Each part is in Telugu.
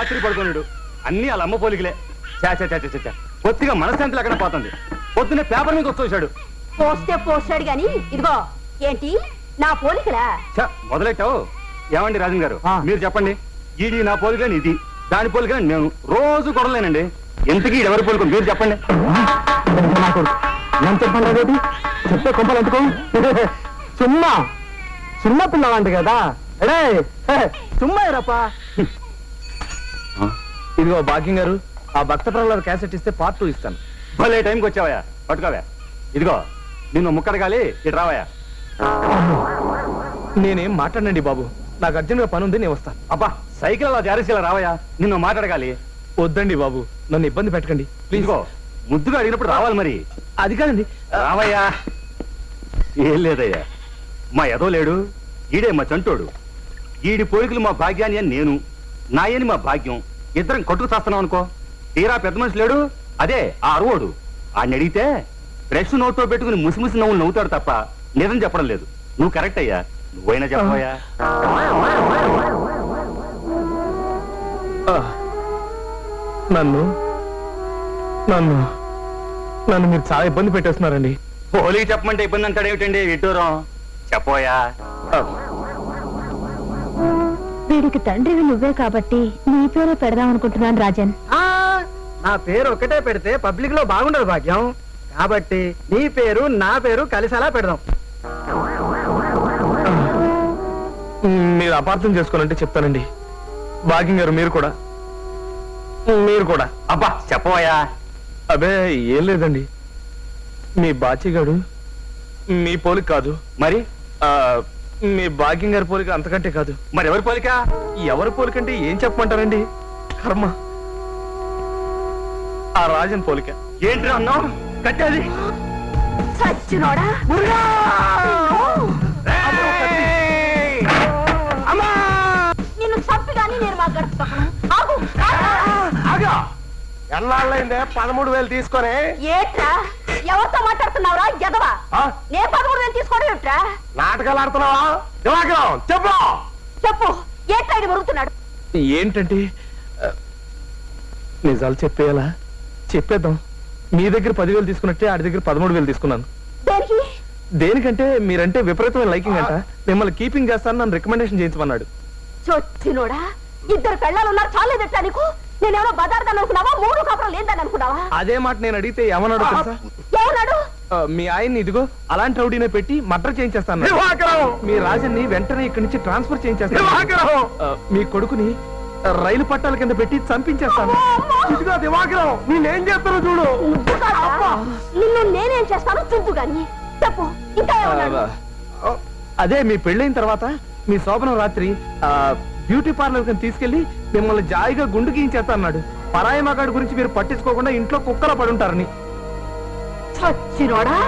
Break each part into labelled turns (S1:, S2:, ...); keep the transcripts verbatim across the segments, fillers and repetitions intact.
S1: రాత్రి పడుకున్నాడు. అన్ని వాళ్ళ అమ్మ పోలికలే. చా చా చా చా చా కొద్దిగా మనశ్శాంతి లేకుండా పోతుంది. పొద్దున్నే పేపర్ మీద వచ్చేసాడు.
S2: పోస్తే పోస్తాడు గాని ఇదిగో ఏంటి నా పోలికలా?
S1: చా మొదలెట్టావు. ఏమండి రాజన్ గారు మీరు చెప్పండి. ఈడి నా పోలికలేని ఇది, దాని పోలికలేని నేను. రోజు కొడలేనండి. ఎంతకీ ఎవరి పోలిక మీరు చెప్పండి.
S3: నేను చెప్పండి చెప్తే కొంపలు ఎందుకు? సుమ్మా సుమ్మా పిల్లవాంటి కదా. అడే సుమ్మా రప్ప. ఇదిగో భాగ్యం గారు, ఆ భక్త ప్రహ్లాద క్యాసెట్ ఇస్తే పార్ట్ టూ ఇస్తాను.
S1: భలే టైంకి వచ్చావయ్యా. పట్టుకోవా. ఇదిగో నిన్ను ముక్కడగాలి. ఇటు రావయ్యా.
S3: నేనేం మాట్లాడండి బాబు, నాకు అర్జెంట్ గా పని ఉంది, నేను వస్తాను.
S1: అబ్బా సైకిల్ అలా జారేసేలా రావయ్యా. నిన్ను మాట్లాడగాలి.
S3: వద్దండి బాబు, నన్ను ఇబ్బంది పెట్టకండి ప్లీజ్.
S1: ముద్దుగా అడిగినప్పుడు రావాలి మరి.
S3: అది కాదండి.
S1: రావయ్యా. ఏం లేదయ్యా, మా ఎదో లేడు, ఈడే మా చంటోడు. ఈడి పోలికలు మా భాగ్యాన్ని అని నేను, నాయని మా భాగ్యం. ఇద్దరం కొట్టుకు చేస్తున్నాం అనుకో. తీరా పెద్ద మనిషి లేడు, అదే ఆ అరువోడు. ఆయన అడిగితే బ్రష్ నోట్లో పెట్టుకుని ముసిముసి నవ్వులు నవ్వుతాడు తప్ప నిజం చెప్పడం లేదు. నువ్వు కరెక్ట్ అయ్యా, నువ్వైనా చెప్పవయ్యా.
S3: నన్ను నన్ను నన్ను మీరు చాలా ఇబ్బంది పెట్టేస్తున్నారండి.
S1: పోలికి చెప్పమంటే ఇబ్బంది అంటాడేమిటండి విడ్డూరం. చెప్పోయా.
S2: వీడికి తండ్రివి నువ్వే కాబట్టి నీ పేరే పెడదాం అనుకుంటున్నాను రాజన్.
S3: నా పేరు ఒకటే పెడితే పబ్లిక్ లో బాగుండదు భాగ్యం, కాబట్టి నీ పేరు నా పేరు కలిసేలా పెడదాం. మీరు అపార్థం చేసుకోవాలంటే చెప్తానండి. భాగ్యం గారు మీరు కూడా మీరు కూడా
S1: అబ్బా చెప్పవయ్యా.
S3: అబే ఏం లేదండి, మీ బాచిగాడు మీ పోలిక కాదు.
S1: మరి
S3: మీ భాగ్యం గారి పోలిక అంతకంటే కాదు.
S1: మరి ఎవరి పోలిక?
S3: ఎవరి పోలికంటే ఏం చెప్పమంటారండి? కర్మ, ఆ రాజన్ పోలిక.
S1: ఏంటి అన్నావు? కట్టేది
S2: సచ్చినోడా. నిన్ను చంపి గానీ నేను మా గడుపుతాను.
S3: ఎన్నాళ్ళైందే పదమూడు వేలు తీసుకొని?
S2: ఏట్రా ఎవరితో మాట్లాడుతున్నావురా ఎదవా? నేను పదమూడు వేలు తీసుకోవడం ఏట్రా?
S3: నాటకాలు ఆడుతున్నావా? చెప్పు
S2: చెప్పు ఏట్రా ఇది మరుగుతున్నాడు?
S3: ఏంటంటే నిజాలు చెప్పేయాలా? చెప్పేద్దాం. మీ దగ్గర పదివేలు తీసుకున్నట్టే ఆడి దగ్గర పదమూడు వేలు తీసుకున్నాను.
S2: దేనికి?
S3: దేనికంటే మీరంటే విపరీతమైన లైకింగ్ అంట. మిమ్మల్ని కీపింగ్ చేస్తాను, నన్ను రికమెండేషన్ చేయించమన్నాడు.
S2: చొచ్చినోడా, ఇద్దరు పెళ్ళాలు ఉన్నారు చాలేదట్లా నీకు? నేనేమో బజార్దాన్ని అనుకున్నావా, మూడు కాపురం లేదని అనుకున్నావా?
S3: అదే మాట నేను అడిగితే ఏమన్నాడు తెలుసా?
S2: ఏమన్నాడు?
S3: మీ ఆయన్ని ఇదిగో అలాంటి రౌడీనే పెట్టి మర్డర్ చేయించేస్తాను. మీ రాజన్ని వెంటనే ఇక్కడి నుంచి ట్రాన్స్ఫర్ చేయించేస్తాను. మీ కొడుకుని రైలు పట్టాల కింద పెట్టి చంపించేస్తాను. ఇదిగో దివాకరం, నేనేం చేస్తానో చూడు.
S2: నిన్ను నేనేం చేస్తాను చూద్దు గాని చెప్పు. ఇంకా
S3: అదే మీ పెళ్ళైన తర్వాత మీ శోభనం రాత్రి బ్యూటీ పార్లర్ కింద తీసుకెళ్లి మిమ్మల్ని జాయిగా గుండు గీయించేస్తా అన్నాడు. పరాయి మగాడి గురించి మీరు పట్టించుకోకుండా ఇంట్లో కుక్కలా పడుంటారని.
S2: చచ్చినోడా.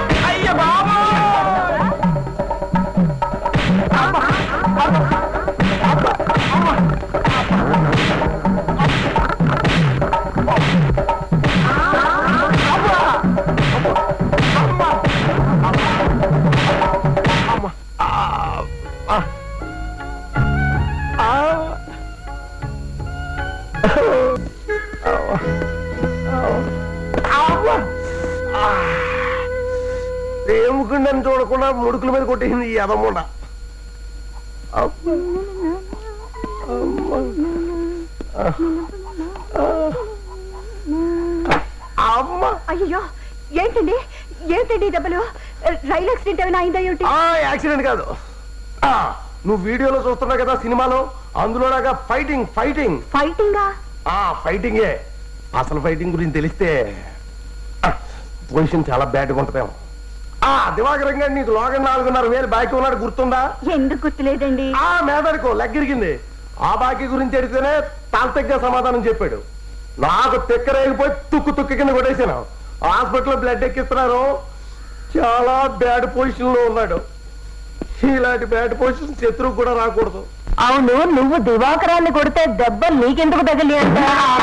S3: ఏముకుండని చూడకుండా ముడుకుల మీద కొట్టేసింది ఈ అదమ్ముండ.
S2: అయ్యో ఏంటండి ఏంటండి దెబ్బలు? రైలు యాక్సిడెంట్ ఏమైనా అయిందా ఏమిటి?
S3: యాక్సిడెంట్ కాదు, నువ్వు వీడియోలో చూస్తున్నావు కదా సినిమాలో, అందులోలాగా ఫైటింగ్ ఫైటింగ్
S2: ఫైటింగా?
S3: ఫైటింగే. అసలు ఫైటింగ్ గురించి తెలిస్తే పొజిషన్ చాలా బ్యాడ్గా ఉంటుందేమో. దివాకరం గారు నీకు లోగన్ నాలుగున్నర వేలు బాకీ ఉన్నాడు, గుర్తుందా?
S2: ఎందుకు గుర్తులేదండి?
S3: ఆ మేదడుకో లెగ్గిరిగింది. ఆ బాకీ గురించి అడిగితేనే తాంతగ్గా సమాధానం చెప్పాడు. నాకు తెక్కరేగిపోయి తుక్కు తుక్కు కింద కొట్టేసాను. హాస్పిటల్లో బ్లడ్ ఎక్కిస్తున్నారు. చాలా బ్యాడ్ పొజిషన్ లో ఉన్నాడు. ఇలాంటి బ్యాడ్ పొజిషన్ శత్రువు కూడా రాకూడదు.
S2: అవును, నువ్వు దివాకరాన్ని కొడితే దెబ్బ నీకెందుకు తగిలి అంట?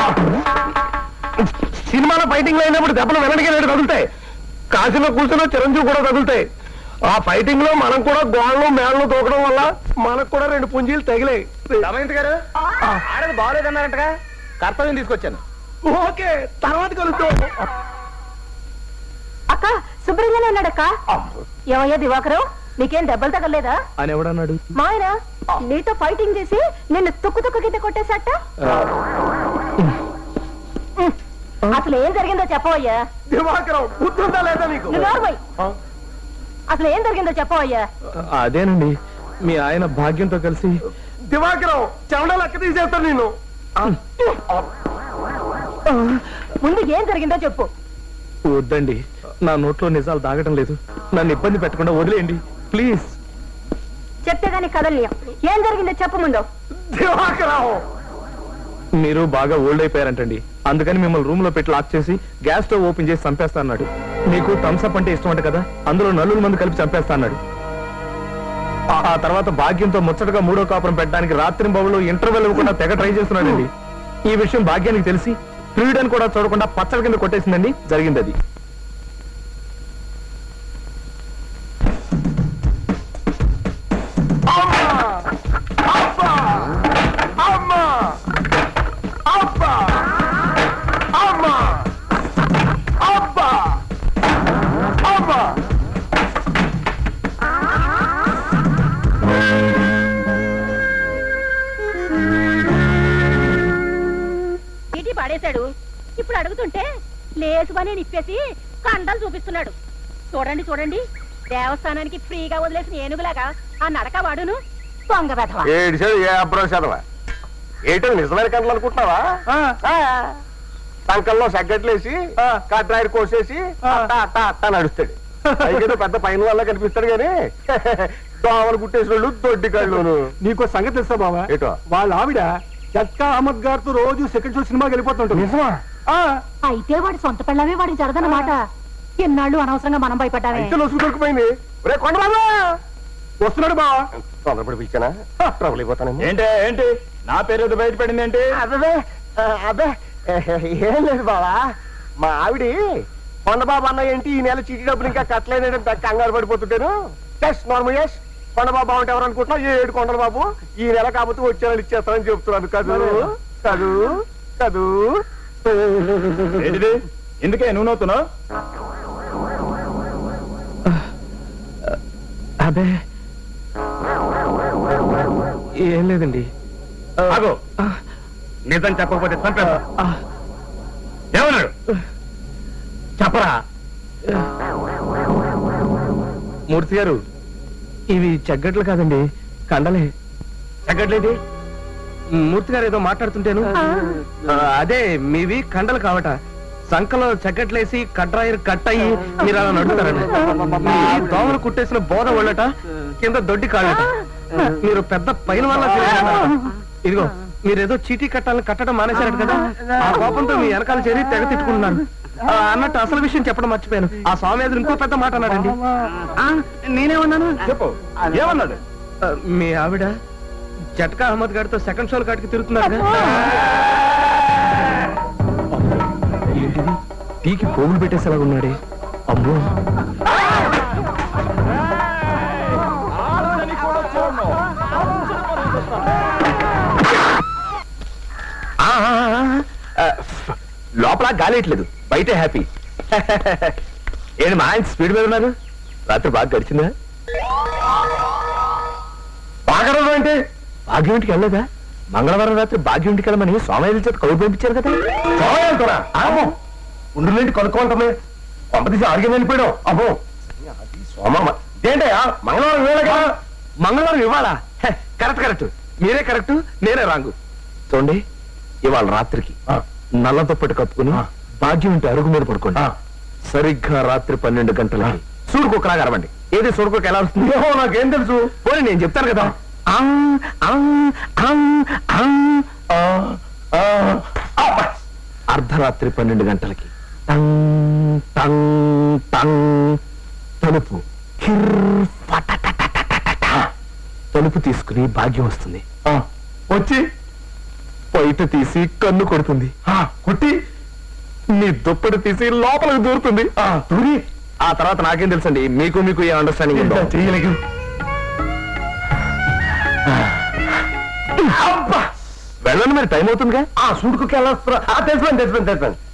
S3: సినిమాలో ఫైటింగ్ లో అయినప్పుడు దెబ్బలు వెనడికి తగులుతాయి. కాశీలో కూర్చున్న చిరంజీవి కూడా తగులుతాయి. ఆ ఫైటింగ్ లో మనం కూడా గోళ్ళు మేళ్ళు తోకడం వల్ల మనకు కూడా రెండు పుంజీలు తగిలాయి.
S1: రమేంద్ర గారు ఆడది బాగోలేదన్నారంటగా?
S4: కర్తవ్యం తీసుకొచ్చాను.
S3: ఓకే, తర్వాత కలుద్దాం.
S2: అక్క శుభ్రంగానే ఉన్నాడక్క. ఏమయ్యా దివాకరు, నీకేం దెబ్బలు తగలేదా
S4: అని ఎవడన్నాడు?
S2: మాయన నీతో ఫైటింగ్ చేసి నిన్ను తుక్కు తుక్కు కింద కొట్టేశాట. అసలు ఏం జరిగిందో చెప్పవయ్యా.
S3: దివాకరం బుద్ధుందా లేదా నీకు?
S2: నువ్వు నోరుమోయ్. అసలు ఏం జరిగిందో చెప్పవయ్యా.
S4: అదేనండి, మీ ఆయన భాగ్యంతో కలిసి.
S3: దివాకరం చెమట లెక్క తీసేస్తాను నేను.
S2: ముందు ఏం జరిగిందో చెప్పు.
S4: వద్దండి, నా నోట్లో నిజాలు దాగటం లేదు. నన్ను ఇబ్బంది పెట్టకుండా వదిలేయండి ప్లీజ్.
S2: చెప్తే గానీ కదలియం. ఏం జరిగిందో చెప్పు ముందు.
S3: దివాకరం
S4: మీరు బాగా ఓల్డ్ అయిపోయారంటండి, అందుకని మిమ్మల్ని రూమ్ లో పెట్టి లాక్ చేసి గ్యాస్ స్టవ్ ఓపెన్ చేసి చంపేస్తా అన్నాడు. మీకు థమ్స్అప్ అంటే ఇష్టం అంట కదా, అందులో నలుగురు మంది కలిపి చంపేస్తా అన్నాడు. ఆ తర్వాత భాగ్యంతో ముచ్చటగా మూడో కాపురం పెట్టడానికి రాత్రి బాబులో ఇంటర్వెల్ ఇవ్వకుండా తెగ ట్రై చేస్తున్నాడండి. ఈ విషయం భాగ్యానికి తెలిసి ప్రియుడని కూడా చూడకుండా పచ్చడి కింద కొట్టేసిందండి. జరిగింది అది.
S2: చీటీ పడేశాడు. ఇప్పుడు అడుగుతుంటే లేసు పని నిప్పేసి కండలు చూపిస్తున్నాడు. చూడండి చూడండి, దేవస్థానానికి ఫ్రీగా వదిలేసిన ఏనుగులాగా ఆ నడక వాడును. దొంగ వెధవ.
S3: ఏడు ఏ అబ్రో చదవా ఏంటో నిజమైన కంటలు అనుకుంటున్నావా? సంకల్లో సగ్గట్లేసి కట్రాయిడ్ కోసేసి అట్టా అట్టా అట్టా నడుస్తాడు. అయితే పెద్ద పైన వల్ల కనిపిస్తాడు గాని దోమలు కుట్టేసిన వాళ్ళు దొడ్డి కళ్ళును.
S5: నీకో సంగతి తెలుసా బాబా?
S3: ఏటో?
S5: వాళ్ళ ఆవిడ జట్కా అహ్మద్ గారితో రోజు సెకండ్ షో సినిమాకి వెళ్ళిపోతుంటుంది.
S3: నిజమా?
S2: అయితే వాడి సొంత పిల్లమే వాడికి జరదన్నమాట. ఎన్నాళ్ళు అనవసరంగా మనం భయపడ్డామే.
S3: అయితే లోసు దొరికిపోయింది. రే కొండబాబా
S5: వస్తున్నాడు బావా.
S3: తొందరపడి పిలిచానా? ట్రబుల్ అయిపోతాను.
S4: ఏంటి ఏంటి నా పేరు ఏదో బయటపడింది ఏంటి?
S3: అదే అదే ఏం లేదు బావా, మా ఆవిడి కొండబాబు అన్న ఏంటి ఈ నెల చీటీ డబ్బులు ఇంకా కట్టలేదని కంగారు పడిపోతుంటాను. ఎస్ నార్మల్ ఎస్ కొండబాబు అంటే ఎవరు అనుకుంటున్నావు? ఏ ఏడు కొండల బాబు ఈ నెల కాకపోతే వచ్చే నెల ఇచ్చేస్తానని చెప్తున్నాను. కదూ కదూ కదూ.
S4: ఏంటిది? ఎందుకే నువ్వు నవ్వుతున్నావు? అదే ఏం లేదండి.
S1: ఆగో, నిజం చెప్పకపోతే చంపేస్తా. ఏమన్నాడు చెప్పరా?
S4: మూర్తి గారు, ఇవి చెగ్గట్లు కాదండి, కండలే.
S1: తగ్గట్లేదు.
S4: మూర్తి గారు ఏదో మాట్లాడుతుంటేను ఆ, అదే మీవి కండలు కావట. సంకలో చెక్కట్లేసి కట్రాయిర్ కట్ అయ్యి మీరు అలా నడుస్తారండి. మీవి దోమలు కుట్టేసిన బోధ వాళ్ళట, కింద దొడ్డి కాళ్ళట. మీరు పెద్ద పైన వల్ల ఇదిగో మీరేదో చీటీ కట్టాలని కట్టడం మానేశారట కదా, ఆ కోపంతో మీ వెనకాల చేరి తెగ తిట్టుకుంటున్నారు. ఆ, అన్నట్టు అసలు విషయం చెప్పడం మర్చిపోయాను. ఆ స్వామి ఎదురు ఇంకో పెద్ద మాట అన్నాడండి. ఆ, నేనేమన్నాను చెప్పు.
S1: ఏమన్నాడు?
S4: ఆ, మీ ఆవిడ జట్కా అహ్మద్ గారితో సెకండ్ షోల కాటికి తిరుగుతున్నారు. ఏంటిది? టీకి పోగులు పెట్టేసేలా ఉన్నాడే. అమ్మో, ఆ, ఆ, లోపల గాలేయట్లేదు, బయటే హ్యాపీ. ఏంటి మా ఆయన స్పీడ్ మీద ఉన్నారు? రాత్రి బాగా గడిచిందా? బాగా అంటే భాగ్యంటికి వెళ్ళలేదా? మంగళవారం రాత్రి భాగ్యంటికి వెళ్ళమని సోమయ్య చేత కౌలు పంపించారు కదా.
S3: సోమయంతోరా? అమ్మో ఉండులేంటి కొనుక్కోమంటే పంపతీసి ఆడికి వెళ్ళిపోయాడు. అమ్మో సోమమ్మ ఏంటయ్యా మంగళవారం వేళగా?
S4: మంగళవారం ఇవ్వాలా? హె, కరెక్ట్ కరెక్ట్, మీరే కరెక్ట్, నేనే రాంగు. చూడండి, ఇవాళ రాత్రికి నల్ల దుప్పటి కప్పుకుని భాగ్యం ఇంటి అరుగు మీద పడుకోండి. సరిగ్గా రాత్రి పన్నెండు గంటలకి సూడుకోకలాగా అరవండి. ఏది సూడుకోక ఎలా వస్తుంది?
S3: ఏమో నాకేం తెలుసు.
S4: పోనీ నేను చెప్తాను కదా. ఆ, ఆ, ఆ, ఆ, ఆ, ఆ. అర్ధరాత్రి పన్నెండు గంటలకి టంగ్ టంగ్ టంగ్ తలుపు కిర్ ఫటటటటటట. తలుపు తీసుకుని భాగ్యం వస్తుంది.
S3: ఆ, వచ్చి
S4: బయట తీసి కన్ను కొడుతుంది.
S3: ఆ, కొట్టి
S4: నీ దుప్పటి తీసి లోపలికి దూరుతుంది.
S3: ఆ, దూరి
S4: ఆ తర్వాత నాకేం తెలుసండి, మీకు మీకు ఏ అండర్స్టాండింగ్ ఉందో.
S3: చేయలేదు.
S4: వెళ్ళండి మరి టైం అవుతుందిగా
S3: ఆ సూడుకు వెళ్ళొస్తున్నా తెలిసిపోయింది తెలిసిపోయింది తెలిసిపోయింది